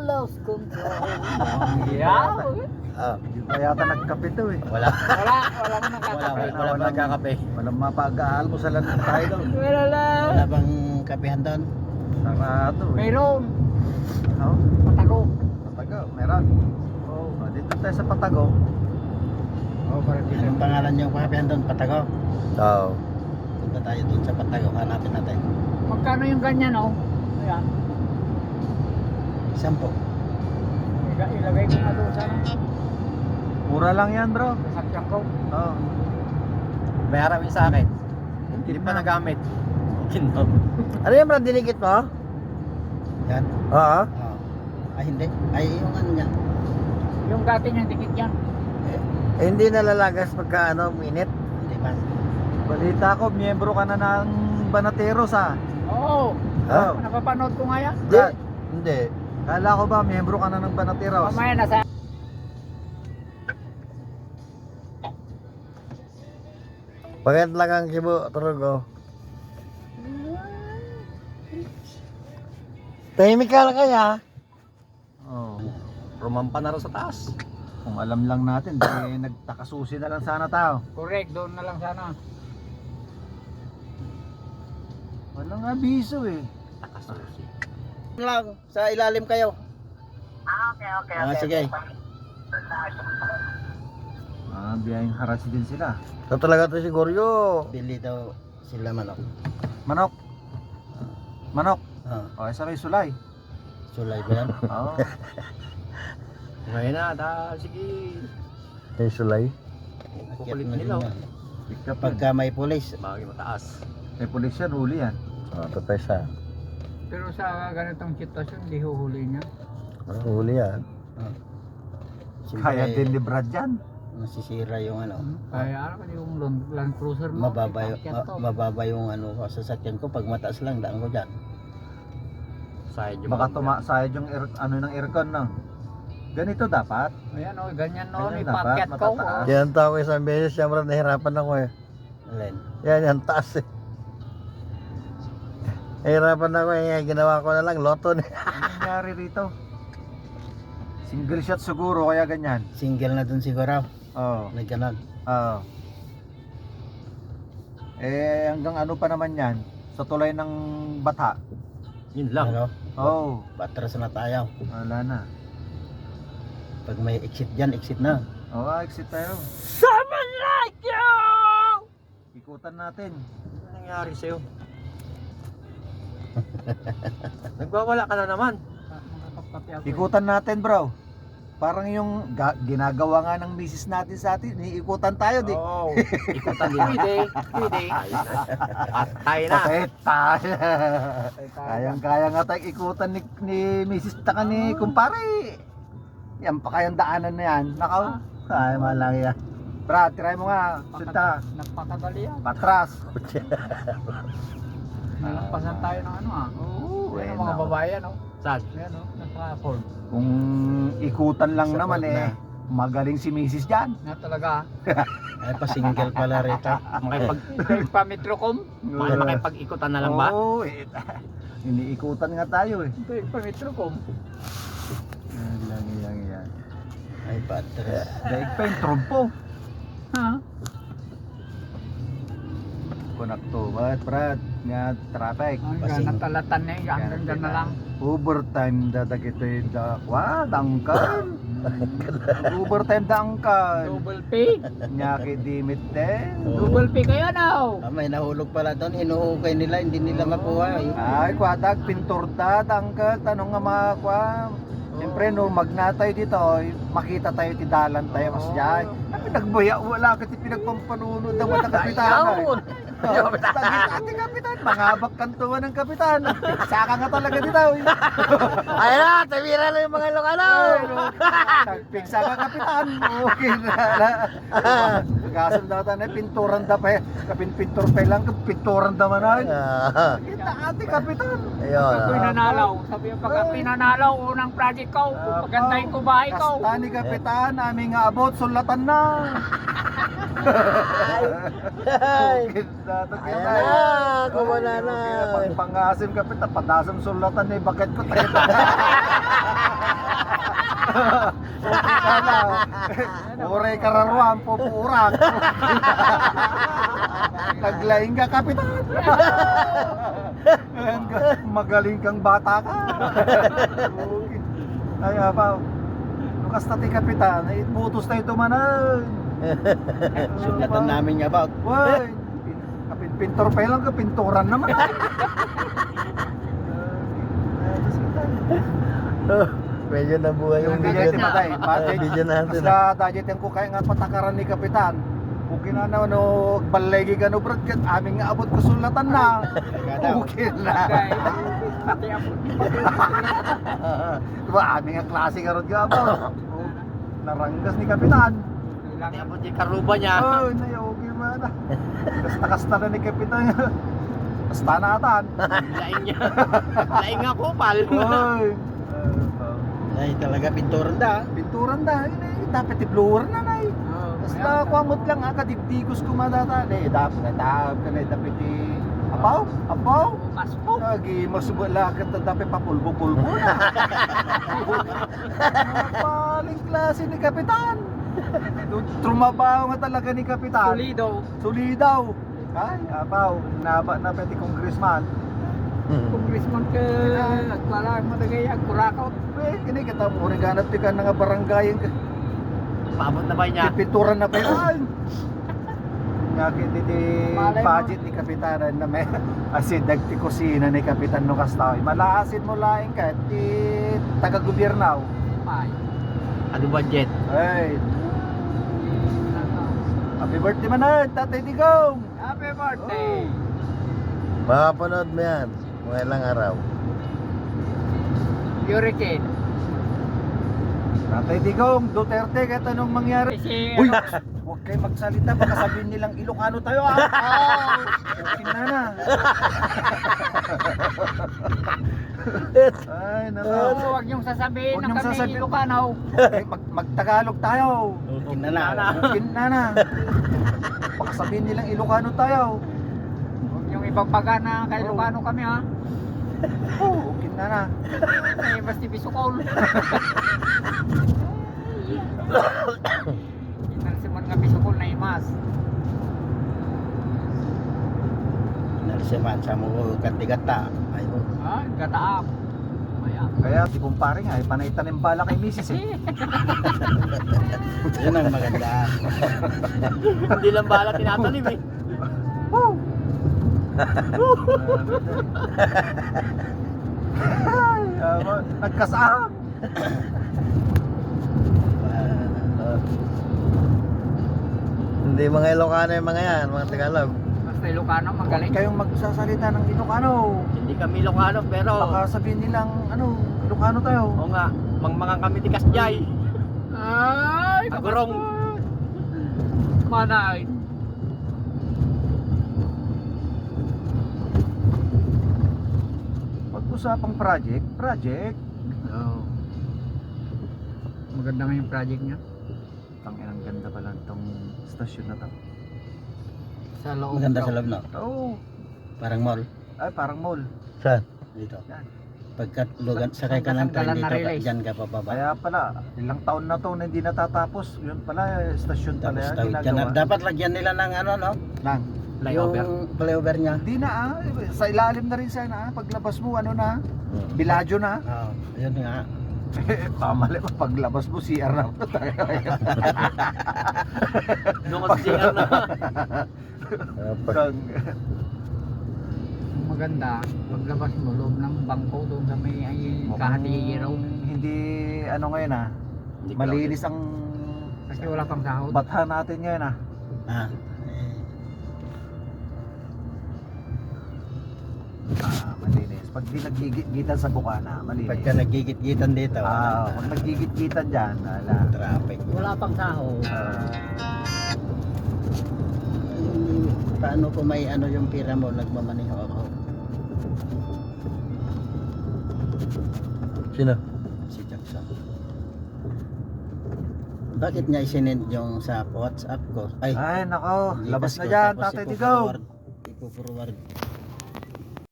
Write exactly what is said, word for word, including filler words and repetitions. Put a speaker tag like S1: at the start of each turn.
S1: lost control. Yeah.
S2: Ah,
S3: Hindi pa yata nagkape to eh.
S2: wala.
S1: Wala, wala mo
S2: Wala,
S1: nakakape.
S2: wala, wala pa nagkakape.
S3: Walang mapag-aalmusalan tayo doon.
S1: Wala lang.
S2: Wala bang kapehan doon?
S3: Sarado eh.
S1: Mayroon.
S3: Oh,
S1: Patago.
S3: Patago, meron.
S1: Oh.
S3: Oh, dito tayo sa Patago.
S1: Oh, parang dito.
S2: Anong pangalan yung kapehan doon? Patago?
S3: Oo.
S2: Punta tayo doon sa Patago, hanapin natin.
S1: Magkano yung ganyan, oh? Ayan.
S2: Sampo.
S1: Iga- Ilagay ko nga doon sa ano.
S3: Mura lang yan, bro.
S1: Sasakyan ko.
S3: Oo.
S2: Bayaran mo sa akin.
S3: Hindi
S2: Hindi pa nagamit. Kinom.
S3: Ano yung brand dinikit mo?
S2: Yan.
S3: Oo.
S2: Oh. Ay hindi. Ay yung ano niya.
S1: Yung dati niyang dikit yan.
S3: Eh, hindi nalalagas pagka ano, minute.
S2: Hindi man.
S3: Balita ko, miyembro ka na ng Banateros ah.
S1: Oo.
S3: Oh.
S1: Napapanood ko nga yan.
S3: Hindi. Hindi. Kala ko ba, miyembro ka na ng Banateros?
S1: Mamaya nasa...
S3: Pagkat lang ang kibo, Turugo. Tahimik ka lang kaya? Oo. Oh.
S2: Rumampa na rin sa taas.
S3: Kung alam lang natin, di nagtakasusi na lang sana tao.
S1: Correct, doon na lang sana.
S3: Walang abiso eh.
S2: Takasusi. Lang, sa ilalim kayo.
S1: Ah, okay, okay,
S2: Ah, sige.
S3: Ah, biyayang harasi din sila. So talaga to siguro yo.
S2: Bili daw sila manok.
S3: Manok. Manok.
S2: Ah,
S3: O, isa may sulay.
S2: sulay ba yan?
S3: Oo.
S2: Ngayon na, da, sige.
S3: May sulay.
S2: Kukulit
S1: oh.
S2: nila.
S3: Pick up pag
S2: Pagka may pulis,
S1: Bagay mataas.
S3: may pulis yan, huli yan. Oo, oh, tapos sa.
S1: Pero sa ganitong sitwasyon, di huhuli niya.
S3: Huli yan.
S2: ah,
S3: Kaya din ni Brad yan.
S2: nasisira yung ano.
S1: Kaya ano yung Land, Land Cruiser mo?
S2: Mababa yung,
S1: ipakyat
S2: ma-
S1: to.
S2: mababa yung ano sasakyan ko pag mataas lang daan ko diyan.
S1: Side
S3: Baka tumasayad yung air, ano ng aircon no. Ganito dapat.
S1: Ayan o, ganyan noon,
S3: Ganyan
S1: ipakyat
S3: dapat,
S1: ko.
S3: matataas.
S1: oh.
S4: Yan tao ko isang beses, siyempre nahirapan ako eh.
S2: Alin.
S4: Yan, yan taas eh. Nahirapan ako eh, ginawa ko na lang, loto na.
S3: Ano nangyari rito? Single shot siguro kaya ganyan.
S2: Single na dun siguro.
S3: Oo.
S2: Nagganon.
S3: Oo. Eh hanggang ano pa naman yan? Sa tulay ng Bata.
S2: Yun lang. Ano?
S3: Oo.
S2: Patras na tayo.
S3: Wala na.
S2: Pag may exit diyan, exit na.
S3: Oo, exit tayo.
S1: Someone like you!
S3: Ikutan natin.
S2: Ano nangyari sa'yo?
S1: Nagwawala ka na naman. Makakapkapi ako.
S3: Ikutan natin, bro. Parang yung ga- ginagawa nga ng misis natin sa atin, ikutan tayo, di.
S1: Oo. Ikutan din. Pwede. Pwede.
S2: Patay na.
S3: Patay tayo. Kayang-kaya nga tayong ikutan ni, ni misis taka ni kumpare. Yan pa kayang daanan na yan. Nakaw. Ay, malaki yan. Brad, try mo nga. Sinta.
S1: Nagpakadali yan.
S3: Patras.
S1: Nalampasan tayo ng ano ah.
S3: Oo,
S1: Yan
S3: eh,
S1: ang mga
S3: no.
S1: babae yan oh.
S2: Saan?
S1: Yan oh, nagpa-afford.
S3: Kung ikutan lang
S2: Support
S3: naman eh,
S2: na.
S3: magaling si misis dyan.
S1: Na talaga.
S2: Ay pa single pala rito.
S1: Makipag pa-metrocom.
S3: Bakit
S2: makipag-ikutan na lang ba?
S3: Oo, eh. Iniikutan nga tayo eh.
S1: Pa-metrocom.
S3: Yan lang yan yan.
S2: Ay patras.
S3: Daig pa yung trompo.
S1: Ha?
S3: Konakto, what Brad? Nga traffic.
S1: Ang
S2: Pasing-
S1: gana talatan na yun. Hanggang dyan na lang.
S3: Overtime dadag ito yung dakwa, dangkan. Overtime dangkan.
S1: Double pay.
S3: Nyaki dimit din.
S1: Double pay kayo now.
S2: Ah, may nahulog pala doon, hinuhukay nila, hindi nila makuha. Eh.
S3: Ay, kwadag, pintor da, dangkan. Tanong nga mga kwa. Siyempre, no, magnatay dito, makita tayo ti dalan tayo mas dyan. Ay, nagbuya, wala ka ti pinagpampanunod ng mga kapitana. Oh, tagit ati kapitan, mangabak kantuan ng kapitan. Saka nga talaga dito.
S4: Ayun na, tabira na yung mga lokano.
S3: Nagpigsa ka kapitan. Okay na. Kasan daw tayo na pinturan da pa. Kapin pintor pa lang, pinturan da manan.
S4: Ah,
S3: Kita ati kapitan.
S4: ayun.
S1: Ako'y
S4: ah.
S1: nanalaw. Sabi yung pagka pinanalaw, unang project ko. Pagandahin ko bahay ko.
S3: Kasta ni kapitan, aming nga abot, sulatan na. Okay na,
S4: Ayan na, kumana na.
S3: Pag pangasim kapitan, padasam sulatan na yung bakit ko tayo. na. Ure kararuan, pupurak. Naglaing ka, kapitan. Magaling kang bata ka. Ay, apaw. Lukas na ti kapitan, ay putos tayo tumanan.
S2: Sugatan namin nga ba?
S3: Woy, kapit pintor pa lang ka, pinturan naman.
S4: Medyo nabuhay yung
S3: Hindi
S4: video.
S3: ti matay, matay.
S4: Video natin.
S3: Basta dajet yung ko kaya nga patakaran ni kapitan. Okay na na, no, balegi ka no, brad, kat aming nga abot kasulatan na. Okay na.
S1: Pati ako.
S3: Diba, aming nga klase ka ron ka ba? Naranggas ni kapitan.
S2: Pati abot yung karuba niya.
S3: Oh, nay, okay man. Kasta-kasta na ni kapitan. Kasta na atan.
S2: Laing niya. Laing nga kupal.
S3: Oy.
S2: Ay, talaga pinturan da.
S3: Pinturan da, ini dapat i-blower na nay. Basta kwamot lang ah, kadibdigos kumadata. Eh, dapat na tawag ka na, dapat i... Apaw? Apaw?
S1: Paspo.
S3: Lagi, masubala ka na dapat papulbo-pulbo na. Paling klase ni kapitan. Trumabaho nga talaga ni kapitan.
S1: Solido.
S3: Sulidaw. Ay, apaw, naba na pati congressman.
S1: Congressman ka. Agwala mo na kaya. Agkurakaw.
S3: Eh, kini kita mo rin ganap ti ka nga barangay.
S2: Paabot na ba niya?
S3: Pinturan na pa yun. Ngakit iti
S1: Malay mo.
S3: budget ni kapitanan na may asin dagti kusina ni kapitan no kastaw. Malaasin mo laing ka ti taga-gobyernaw.
S1: Ay.
S2: Ano budget?
S3: Ay, happy birthday manad, Tatay Digong.
S1: Happy birthday.
S4: Makapanood mo yan. Mga ilang araw.
S1: Hurricane.
S3: Tatay Digong, Duterte, kahit anong mangyari.
S1: Si
S3: Uy, huwag kayo magsalita, baka sabihin nilang Ilocano tayo ah. Oh, okay na na. Ay, nako.
S1: Oo, huwag niyong sasabihin
S3: Huwag
S1: na
S3: niyong
S1: kami
S3: sasabihin.
S1: Ilocano.
S3: Okay, mag magtagalog tayo.
S2: Okay na na.
S3: Okay na na. Baka sabihin nilang Ilocano tayo.
S1: Huwag niyong ibagbaga na kay Ilocano kami ha.
S3: Oh, okay na na.
S1: Ay, basti bisukol. Inalsiman nga bisukol na imas.
S2: Nalisiman sa mo kantigata. Ay, oh.
S1: Ha? Gataap. Maya.
S3: Kaya si kumpare nga, ay panay tanim bala kay misis eh.
S2: Yun ang maganda. Hindi lang bala tinatanim eh.
S3: Woo! Ay, ah, nagkasahang.
S4: Hindi mga Ilocano yung mga yan, mga Tagalog.
S1: Basta Ilocano, magaling.
S3: Huwag kayong magsasalita ng Ilocano.
S2: Hindi kami Ilocano pero
S3: Baka sabihin nilang, ano, Ilocano tayo.
S2: oo nga, mangmangang kami ti Kasjay.
S1: Ay,
S2: Agurong.
S1: Manay.
S3: Pag-usapang project, project.
S1: Oo. Maganda nga yung project niya.
S3: Ang inang ganda pala itong stasyon na to.
S1: Sa loob.
S2: Maganda sa loob no?
S3: Oo.
S2: Parang mall.
S3: Ay, parang mall.
S4: Saan?
S2: Dito.
S3: Yan.
S2: Pagkat lugan sakay ka ng train
S1: Saan ka
S2: dito,
S1: na-release?
S2: diyan ka pababa.
S3: Kaya pala, ilang taon na to na hindi natatapos. Yun pala, stasyon pala
S2: Tapos
S3: yan,
S2: tawid ka na.
S3: ginagawa.
S2: Dapat lagyan nila ng ano no?
S3: Lang.
S1: Flyover.
S2: Yung flyover niya.
S3: Hindi na ah, sa ilalim na rin sana ah. Paglabas mo, ano na, Biladyo na.
S2: Oo, yun nga.
S3: Pamali pa, paglabas mo, C R na po tayo.
S2: Doon ka sa C R na.
S4: Ah, pag-
S1: Maganda. Paglabas mo, loob ng bangko doon sa may ay kahati raw.
S3: Hindi, ano ngayon ah,
S2: Hindi
S3: malinis ang
S1: Kasi wala pang sahod.
S3: batha natin ngayon ah.
S2: Ah,
S3: Ah, malinis. Pag di naggigit-gitan sa bukana, malinis.
S2: pagka nagigit-gitan dito,
S3: Ah, pag naggigit-gitan dyan, ala.
S2: traffic.
S1: Wala pang sahod.
S3: Ah,
S2: Paano kung may ano yung pira mo, nagmamaneho ako?
S4: Sino?
S2: Si Jackson. Bakit niya isinend yung sa WhatsApp ko? Ay,
S3: ay nako,
S2: Gcash
S3: labas na
S2: ko,
S3: dyan,
S2: tapos
S3: Tatay Tigaw.
S2: ipo-forward- Ipo-forward